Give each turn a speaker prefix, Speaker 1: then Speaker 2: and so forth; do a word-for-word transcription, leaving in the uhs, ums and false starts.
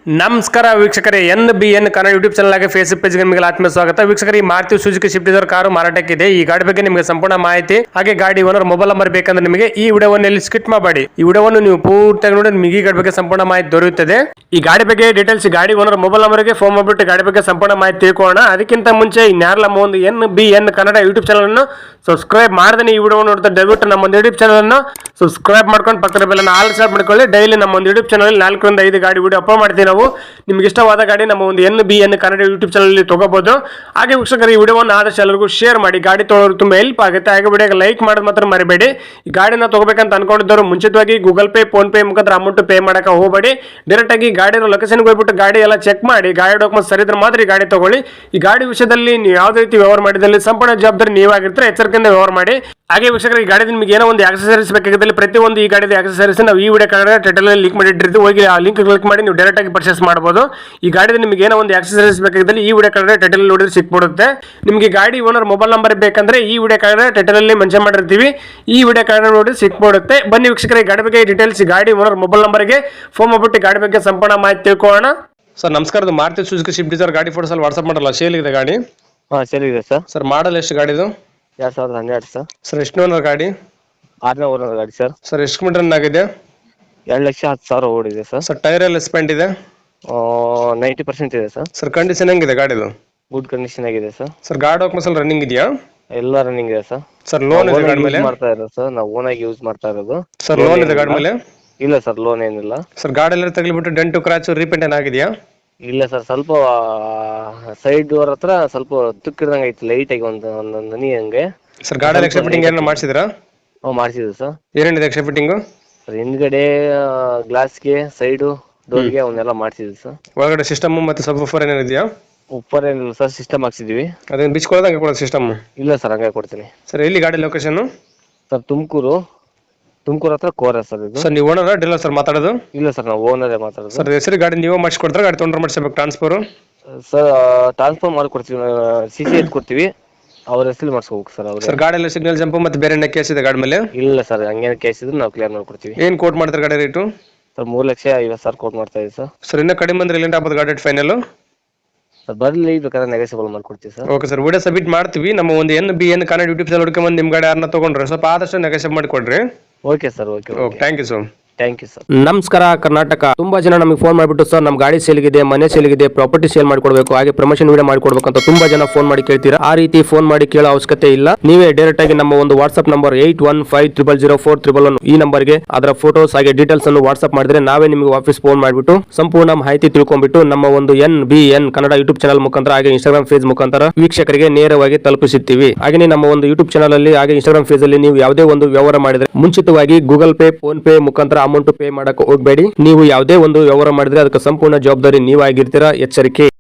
Speaker 1: ನಮಸ್ಕಾರ ವೀಕ್ಷಕರೇ, N B N Kannada YouTube channel ಆಗಿ ಫೇಸ್ಬುಕ್ ಪೇಜ್ಗೆ ನಿಮಗೆ ಆತ್ಮೀಯ ಸ್ವಾಗತ. ವೀಕ್ಷಕರೇ, ಈ Maruti Suzuki Swift Dzire car ಮಾರಾಟಕ್ಕಿದೆ. ಈ ಗಾಡಿ ಬಗ್ಗೆ ನಿಮಗೆ ಸಂಪೂರ್ಣ ಮಾಹಿತಿ ಹಾಗೆ ಗಾಡಿ ಓನರ್ ಮೊಬೈಲ್ ನಂಬರ್ ಬೇಕಂದ್ರೆ ನಿಮಗೆ ಈ ವಿಡಿಯೋವನ್ನು ಇಲ್ಲಿ ಸ್ಕಿಪ್ ಮಾಡಬೇಡಿ. ಈ ವಿಡಿಯೋವನ್ನು ನೀವು ಪೂರ್ತಿಯಾಗಿ ನೋಡಿ ನಿಮಗೆ ಈ ಗಾಡಿ ಬಗ್ಗೆ ಸಂಪೂರ್ಣ ಮಾಹಿತಿ ದೊರೆಯುತ್ತದೆ. ಈ ಗಾಡಿ ಬಗ್ಗೆ ಡೀಟೇಲ್ಸ್ ಗಾಡಿ ಓನರ್ ಮೊಬೈಲ್ ನಂಬರ್ಗೆ ಫೋನ್ ಮಾಡಿಬಿಟ್ಟು ಗಾಡಿ ಬಗ್ಗೆ ಸಂಪೂರ್ಣ ಮಾಹಿತಿ ತಿಳ್ಕೊಳ್ಳೋಣ. ಅದಕ್ಕಿಂತ ಮುಂಚೆ ಇನ್ಯಾರಲ್ಲ ನಮ್ಮ ಒಂದು N B N Kannada YouTube channel ಅನ್ನು ಸಬ್ಸ್ಕ್ರೈಬ್ ಮಾಡದೇ ಈ ವಿಡಿಯೋ ನೋಡ್ತಾ ದಯವಿಟ್ಟು ನಮ್ಮ ಒಂದು ಯೂಟ್ಯೂಬ್ ಚಾನಲ್ ಅನ್ನು ಸಬ್ಸ್ಕ್ರೈಬ್ ಮಾಡ್ಕೊಂಡು ಪಕ್ಕದ ಬೆಲ್ಲನ್ನು ಆಲ್ ಸೆಟ್ ಮಾಡ್ಕೊಳ್ಳಿ. ಡೈಲಿ ನಮ್ಮ ಒಂದು ಯೂಟ್ಯೂಬ್ ಚಾನಲ್ ನಾಲ್ಕರಿಂದ ಐದು ಗಾಡಿ ವಿಡಿಯೋ ಅಪ್ಲೋಡ್ ಮಾಡ್ತೀವಿ. ನಾವು ನಿಮ್ಗೆ ಇಷ್ಟವಾದ ಗಾಡಿ ನಮ್ಮ ಒಂದು N B N Kannada YouTube channel ತಗೋಬಹುದು. ಹಾಗೆ ವೀಕ್ಷಕರು, ಈ ವಿಡಿಯೋವನ್ನು ಆದಷ್ಟು ಎಲ್ಲರಿಗೂ ಶೇರ್ ಮಾಡಿ. ಗಾಡಿ ತೊಗೊಳ್ಳೋರು ತುಂಬಾ ಹೆಲ್ಪ್ ಆಗುತ್ತೆ. ಹಾಗೆ ವಿಡಿಯೋಗೆ ಲೈಕ್ ಮಾಡೋದು ಮಾತ್ರ ಮರಿಬೇಡಿ. ಈ ಗಾಡಿನ ತಗೋಬೇಕಂತ ಅನ್ಕೊಂಡಿದ್ದವರು ಮುಂಚಿತವಾಗಿ ಗೂಗಲ್ ಪೇ, ಫೋನ್ ಪೇ ಮುಖಾಂತರ ಅಮೌಂಟ್ ಪೇ ಮಾಡಕ್ಕೆ ಹೋಗಬೇಡಿ. ಡೈರೆಕ್ಟ್ ಆಗಿ ಗಾಡಿ ಲೊಕೇಶನ್ಗೆ ಹೋಗ್ಬಿಟ್ಟು ಗಾಡಿ ಎಲ್ಲ ಚೆಕ್ ಮಾಡಿ, ಗಾಡಿ ಡಾಕ್ಯುಮೆಂಟ್ ಸರಿ ಇದ್ರೆ ಮಾತ್ರ ಈ ಗಾಡಿ ತಗೊಳ್ಳಿ. ಈ ಗಾಡಿ ವಿಷಯದಲ್ಲಿ ನೀವು ಯಾವುದೇ ರೀತಿ ವ್ಯವಹಾರ ಮಾಡಿದಲ್ಲಿ ಸಂಪೂರ್ಣ ಜವಾಬ್ದಾರಿ ನೀವಾಗಿರ್ತಾರೆ. ಎಚ್ಚರಿಕೆಯಿಂದ ವ್ಯವಹಾರ ಮಾಡಿ. ಹಾಗೆ ವೀಕ್ಷಕರು, ಈ ಗಾಡಿ ನಿಮಗೆ ಏನೋ ಒಂದು ಆಕ್ಸೆಸರೀಸ್ ಬೇಕಾಗಿದ್ದಲ್ಲಿ ಪ್ರತಿಯೊಂದು ಈ ಗಾಡಿದ ಆಕ್ಸೆಸರೀಸ್ ನಾವು ಈ ವಿಡಿಯೋ ಕಾರ್ಡ್ ಟೈಟಲ್ ಲಿಂಕ್ ಮಾಡಿಟ್ಟಿರ್ತೀವಿ. ಹೋಗಿ ಆ ಲಿಂಕ್ ಕ್ಲಿಕ್ ಮಾಡಿ ನೀವು ಡೈರೆಕ್ಟ್ ಆಗಿ ಪರ್ಚೇಸ್ ಮಾಡಬಹುದು. ಈ ಗಾಡಿದ ನಿಮಗೆ ಏನೋ ಒಂದು ಆಕ್ಸೆಸರೀಸ್ ಬೇಕಾಗಿದ್ದಲ್ಲಿ ಈ ವಿಡಿಯೋ ಕಾರ್ಡ್ ಟೈಟಲ್ ನೋಡಿದ್ರೆ ಸಿಕ್ಬಿಡುತ್ತೆ. ನಿಮಗೆ ಗಾಡಿ ಓನರ್ ಮೊಬೈಲ್ ನಂಬರ್ ಬೇಕಂದ್ರೆ ಈ ವಿಡಿಯೋ ಕಾರ್ಡ್ ಟೈಟಲ್ ಅಲ್ಲಿ ಮೆನ್ಷನ್ ಮಾಡಿರ್ತೀವಿ. ಈ ವಿಡಿಯೋ ಕಾರ್ಡ್ ನೋಡಿ ಸಿಕ್ಬಿಡುತ್ತೆ. ಬನ್ನಿ ವೀಕ್ಷಕರೇ, ಗಾಡಿ ಬಗ್ಗೆ ಡೀಟೇಲ್ಸ್ ಗಾಡಿ ಓನರ್ ಮೊಬೈಲ್ ನಂಬರ್ಗೆ ಫೋನ್ ಮಾಡ್ಬಿಟ್ಟು ಗಾಡಿ ಬಗ್ಗೆ ಸಂಪೂರ್ಣ ಮಾಹಿತಿ ತಿಳ್ಕೊಳ್ಳೋಣ. ಸರ್ ನಮಸ್ಕಾರ, ಮಾರುತಿ ಸುಜುಕಿ ಸ್ವಿಫ್ಟ್ ಡಿಸೈರ್ ಗಾಡಿ ಫೋಟೋಸ್ ಅಲ್ಲಿ ವಾಟ್ಸ್ಆಪ್ ಮಾಡಲ್ಲ, ಸೇಲ್ ಇದೆ ಗಾಡಿ?
Speaker 2: ಹಾಂ, ಸೇಲ್ ಇದೆ ಸರ್.
Speaker 1: ಸರ್ ಮಾಡಲ್ ಎಷ್ಟು ಗಾಡಿದು?
Speaker 2: ಎರಡು ಸಾವಿರದ ಹನ್ನೆರಡು ಸರ್.
Speaker 1: ಸರ್ ಎಷ್ಟು ಓನರ್ ಗಾಡಿ?
Speaker 2: ಆರನೇ ಓನರ್ ಗಾಡಿ ಸರ್.
Speaker 1: ಸರ್ ಎಷ್ಟು ಕಿಲೋಮೀಟರ್ ರನ್ ಆಗಿದೆ?
Speaker 2: ಎರಡು ಲಕ್ಷ ಹತ್ತು ಸಾವಿರ ಓಡಿದೆ ಸರ್.
Speaker 1: ಸರ್ ಟೈರ್ ಎಲ್ಲ ಸ್ಪೆಂಟ್ ಇದೆ?
Speaker 2: ನೈಂಟಿ ಪರ್ಸೆಂಟ್ ಇದೆ ಸರ್.
Speaker 1: ಸರ್ ಕಂಡೀಷನ್ ಹೆಂಗಿದೆ ಗಾಡಿದು?
Speaker 2: ಗುಡ್ ಕಂಡೀಷನ್ ಆಗಿದೆ ಸರ್.
Speaker 1: ಸರ್ ಗಾಡಿ ಡಾಕ್ಯುಮೆಂಟ್ಸ್ ಎಲ್ಲ ರನ್ನಿಂಗ್ ಇದೆಯಾ?
Speaker 2: ಎಲ್ಲ ರನ್ನಿಂಗ್ ಇದೆ ಸರ್.
Speaker 1: ಸರ್ ಲೋನ್ ಇದೆ ಗಾಡಿ ಮೇಲೆ?
Speaker 2: ಮಾಡ್ತಾ ಇರೋದು ಸರ್, ನಾವು ಓನ್ ಆಗಿ ಯೂಸ್ ಮಾಡ್ತಾ ಇರೋದು.
Speaker 1: ಸರ್ ಲೋನ್ ಇದೆ ಗಾಡಿ ಮೇಲೆ?
Speaker 2: ಇಲ್ಲ ಸರ್, ಲೋನ್ ಏನಿಲ್ಲ.
Speaker 1: ಸರ್ ಗಾಡಿ ಎಲ್ಲ ತಗಲಿಬಿಟ್ಟು ಡೆಂಟು ಕ್ರಾಚು ರೀಪೇಂಟ್ ಏನಾಗಿದೆಯಾ?
Speaker 2: ಇಲ್ಲ ಸರ್, ಸ್ವಲ್ಪ ಸೈಡ್ ಡೋರ್ ಹತ್ರ ಸ್ವಲ್ಪ ತುಕ್ಕಿಡ್ದಂಗೆ ಐತಿ, ಲೈಟ್ ಆಗಿ ಒಂದು ಒಂದೊಂದು ಹನಿ ಹಂಗೆ.
Speaker 1: ಸರ್ ಗಾಡಿ ಎಕ್ಸ್ಟ್ರಾ ಫಿಟ್ಟಿಂಗ್ ಏನೋ ಮಾಡಿಸಿದ್ರಾ?
Speaker 2: ಹ್ಞೂ, ಮಾಡಿಸಿದ್ವಿ ಸರ್.
Speaker 1: ಏನೇನಿದೆ ಎಕ್ಸ್ಟ್ರಾ ಫಿಟ್ಟಿಂಗು?
Speaker 2: ಸರ್ ಹಿಂದ್ಗಡೆ ಗ್ಲಾಸ್ಗೆ, ಸೈಡು ಡೋರ್ಗೆ ಅವನ್ನೆಲ್ಲ ಮಾಡಿಸಿದ್ವಿ ಸರ್.
Speaker 1: ಒಳಗಡೆ ಸಿಸ್ಟಮ್ ಮತ್ತು ಸಬ್ ಫೋರ್ ಏನೇನಿದೆಯಾ?
Speaker 2: ಉಪ್ಪರ್ ಏನಿಲ್ಲ ಸರ್, ಸಿಸ್ಟಮ್ ಹಾಕ್ಸಿದ್ವಿ.
Speaker 1: ಅದನ್ನ ಬಿಚ್ಕೊಳ್ಳೋದು ಹಂಗೆ ಕೊಡೋದು ಸಿಸ್ಟಮ್?
Speaker 2: ಇಲ್ಲ ಸರ್, ಹಂಗೆ ಕೊಡ್ತೀನಿ.
Speaker 1: ಸರ್ ಎಲ್ಲಿ ಗಾಡಿ ಲೊಕೇಶನ್?
Speaker 2: ಸರ್ ತುಮಕೂರು, ತುಮಕೂರು ಹತ್ರ ಕೋರ ಸರ್ ಇದು.
Speaker 1: ಸರ್ ನೀವು ಓನರ್ ಡೀಲರ್ ಸರ್ ಮಾತಾಡೋದು?
Speaker 2: ಇಲ್ಲ ಸರ್, ನಾವು ಓನರೇ ಮಾತಾಡೋದು.
Speaker 1: ಸರ್ ಹೆಸರು ಗಾಡಿ ನೀವೇ ಮಾಡಿಸ್ಕೊಡ್ತಾರೆ, ಗಾಡಿ ತೊಗೊಂಡ್ರೆ ಮಾಡಿಸ್ಬೇಕು ಟ್ರಾನ್ಸ್ಫರ್?
Speaker 2: ಸರ್ ಟ್ರಾನ್ಸ್ಫರ್ ಮಾಡಿಕೊಡ್ತೀವಿ, ಸಿ ಸಿ ಎತ್ ಕೊಡ್ತೀವಿ, ಅವ್ರ ಹೆಸರು ಮಾಡಿಸ್ಕೋಬೇಕು ಸರ್. ಅವ್ರು
Speaker 1: ಸರ್ ಗಾಡಿ ಎಲ್ಲ ಸಿಗ್ನಲ್ ಜಂಪ್ ಮತ್ತೆ ಬೇರೆ ಏನೇ ಕೇಸ್ ಇದೆ ಗಾಡಿ ಮೇಲೆ?
Speaker 2: ಇಲ್ಲ ಸರ್, ಹಂಗೇನು ಕೇಸ್ ಇದ್ರೆ ನಾವು ಕ್ಲಿಯರ್ ಮಾಡ್ಕೊಡ್ತೀವಿ.
Speaker 1: ಏನು ಕೋಟ್ ಮಾಡ್ತಾರೆ ಗಾಡಿ ರೇಟು?
Speaker 2: ಸರ್ ಮೂರು ಲಕ್ಷ ಐವತ್ತು ಸಾವಿರ ಕೋಟ್ ಮಾಡ್ತಾ ಇದ್ದೀವಿ ಸರ್.
Speaker 1: ಸರ್ ಇನ್ನೂ ಕಡಿಮೆ ಅಂದ್ರೆ ಎಲ್ಲಿಂದ ಆಗ್ಬೋದು ಗಾಡಿ ಫೈನಲ್?
Speaker 2: ಸರ್ ಬರಲಿ, ಬೇಕಾದ್ರೆ ನೆಗೋಸಿಯಬಲ್ ಮಾಡ್ಕೊಡ್ತೀವಿ sir.
Speaker 1: Okay sir, video submit ಮಾಡ್ತೀವಿ. ನಮ್ಮ ಒಂದು N B N Kannada YouTube channel ಹುಡ್ಕೊಂಬಂದು ನಿಮ್ಮ ಗಾಡಿ ಯಾರನ್ನ ತೊಗೊಂಡ್ರೆ ಸ್ವಲ್ಪ ಆದಷ್ಟು ನೆಗೋಸಿಯೇಟ್ ಮಾಡಿಕೊಡ್ರಿ.
Speaker 2: Okay sir, okay
Speaker 1: okay, thank you sir.
Speaker 2: Thank you sir.
Speaker 1: ನಮಸ್ಕಾರ ಕರ್ನಾಟಕ. ತುಂಬಾ ಜನ ನಮಗೆ ಫೋನ್ ಮಾಡಿಬಿಟ್ಟು ಸರ್ ನಮ್ಮ ಗಾಡಿ ಸೇಲ್ಗಿದೆ, ಮನೆ ಸೇಲ್ಗಿದೆ, ಪ್ರಾಪರ್ಟಿ ಸೇಲ್ ಮಾಡ್ಕೊಡ್ಬೇಕು, ಹಾಗೆ ಪ್ರಮೋಷನ್ ವಿಡಿಯೋ ಮಾಡ್ಕೊಡ್ಬೇಕು ಅಂತ ತುಂಬಾ ಜನ ಫೋನ್ ಮಾಡಿ ಕೇಳ್ತೀರಾ. ಆ ರೀತಿ ಫೋನ್ ಮಾಡಿ ಕೇಳೋ ಅವಶ್ಯಕತೆ ಇಲ್ಲ. ನೀವೇ ಡೈರೆಕ್ಟ್ ಆಗಿ ನಮ್ಮ ಒಂದು WhatsApp number eight one five triple zero four triple one ಈ ನಂಬರ್ಗೆ ಅದರ ಫೋಟೋಸ್ ಹಾಗೆ ಡೀಟೇಲ್ಸ್ ಅನ್ನು ವಾಟ್ಸ್ಆಪ್ ಮಾಡಿದ್ರೆ ನಾವೇ ನಿಮಗೆ ವಾಪಸ್ ಫೋನ್ ಮಾಡಿಬಿಟ್ಟು ಸಂಪೂರ್ಣ ಮಾಹಿತಿ ತಿಳ್ಕೊಂಡ್ಬಿಟ್ಟು ನಮ್ಮ ಒಂದು N B N Kannada YouTube channel ಮುಖಾಂತರ ಹಾಗೆ ಇನ್ಸ್ಟಾಗ್ರಾಮ್ ಫೇಸ್ ಮುಖಾಂತರ ವೀಕ್ಷಕರಿಗೆ ನೇರವಾಗಿ ತಲುಪಿಸುತ್ತೀವಿ. ಹಾಗೆ ನಮ್ಮ ಒಂದು ಯೂಟ್ಯೂಬ್ ಚಾನಲ್ ಅಲ್ಲಿ ಹಾಗೆ ಇನ್ಸ್ಟಾಗ್ರಾಮ್ ಫೇಸ್ ಅಲ್ಲಿ ನೀವು ಯಾವುದೇ ಒಂದು ವ್ಯವಹಾರ ಮಾಡಿದ್ರೆ ಮುಂಚಿತವಾಗಿ ಗೂಗಲ್ ಪೇ, ಫೋನ್ ಪೇ ಮುಖಾಂತರ ಅಮೌಂಟ್ ಪೇ ಮಾಡಕ್ಕೆ ಹೋಗಬೇಡಿ. ನೀವು ಯಾವುದೇ ಒಂದು ವ್ಯವಹಾರ ಮಾಡಿದ್ರೆ ಅದಕ್ಕೆ ಸಂಪೂರ್ಣ ಜವಾಬ್ದಾರಿ ನೀವಾಗಿರ್ತೀರಾ. ಎಚ್ಚರಿಕೆ.